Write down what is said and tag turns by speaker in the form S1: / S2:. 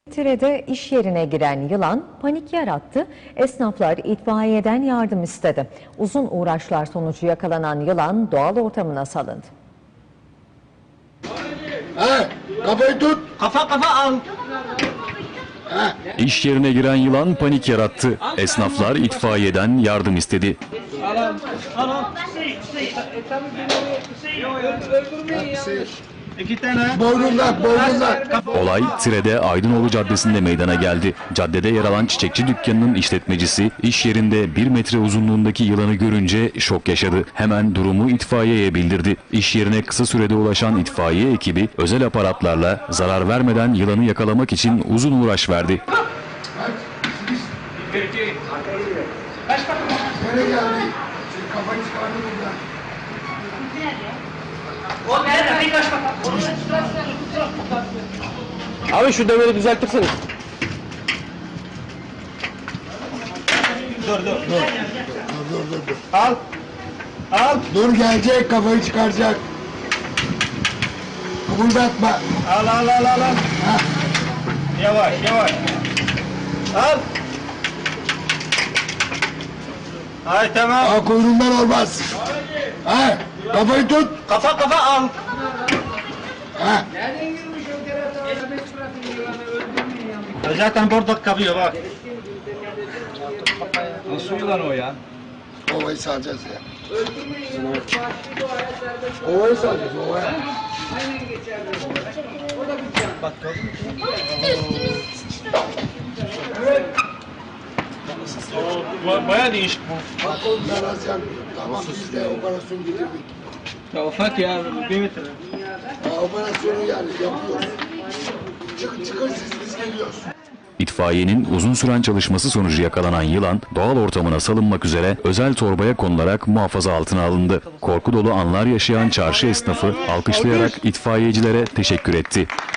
S1: Tire'de iş yerine giren yılan panik yarattı. Esnaflar itfaiyeden yardım istedi. Uzun uğraşlar sonucu yakalanan yılan doğal ortamına salındı.
S2: Kafayı tut.
S3: Kafa al.
S4: İş yerine giren yılan panik yarattı. Esnaflar itfaiyeden yardım istedi.
S3: İki tane.
S2: Boynundan.
S4: Olay Tire'de Aydınoğlu Caddesi'nde meydana geldi. Caddede yer alan çiçekçi dükkanının işletmecisi iş yerinde 1 metre uzunluğundaki yılanı görünce şok yaşadı. Hemen durumu itfaiyeye bildirdi. İş yerine kısa sürede ulaşan itfaiye ekibi özel aparatlarla zarar vermeden yılanı yakalamak için uzun uğraş verdi.
S2: Nereye geldi? Senin kafayı çıkardın buradan.
S5: Abi şu demiri düzeltirsene.
S2: Dur.
S3: Al.
S2: Dur gelecek, kafayı çıkaracak. Kıpırdatma.
S3: Al. Yavaş. Al. Ay tamam.
S2: Kuyruğundan olmaz. Kafayı tut.
S3: Kafa al. Zaten burada kapıyor bak. Nasıl yılan o ya?
S2: Ovayı salacağız ya. Ovayı salacağız, ovaya.
S3: Baya değişik bu.
S2: Bak oğlum ben az yandım. Tamam biz de operasyon getirdik.
S3: Ya ufak ya 1 metre.
S2: Operasyonu yani yapıyoruz. Çıkın siz biz geliyoruz.
S4: İtfaiyenin uzun süren çalışması sonucu yakalanan yılan doğal ortamına salınmak üzere özel torbaya konularak muhafaza altına alındı. Korku dolu anlar yaşayan çarşı esnafı alkışlayarak itfaiyecilere teşekkür etti.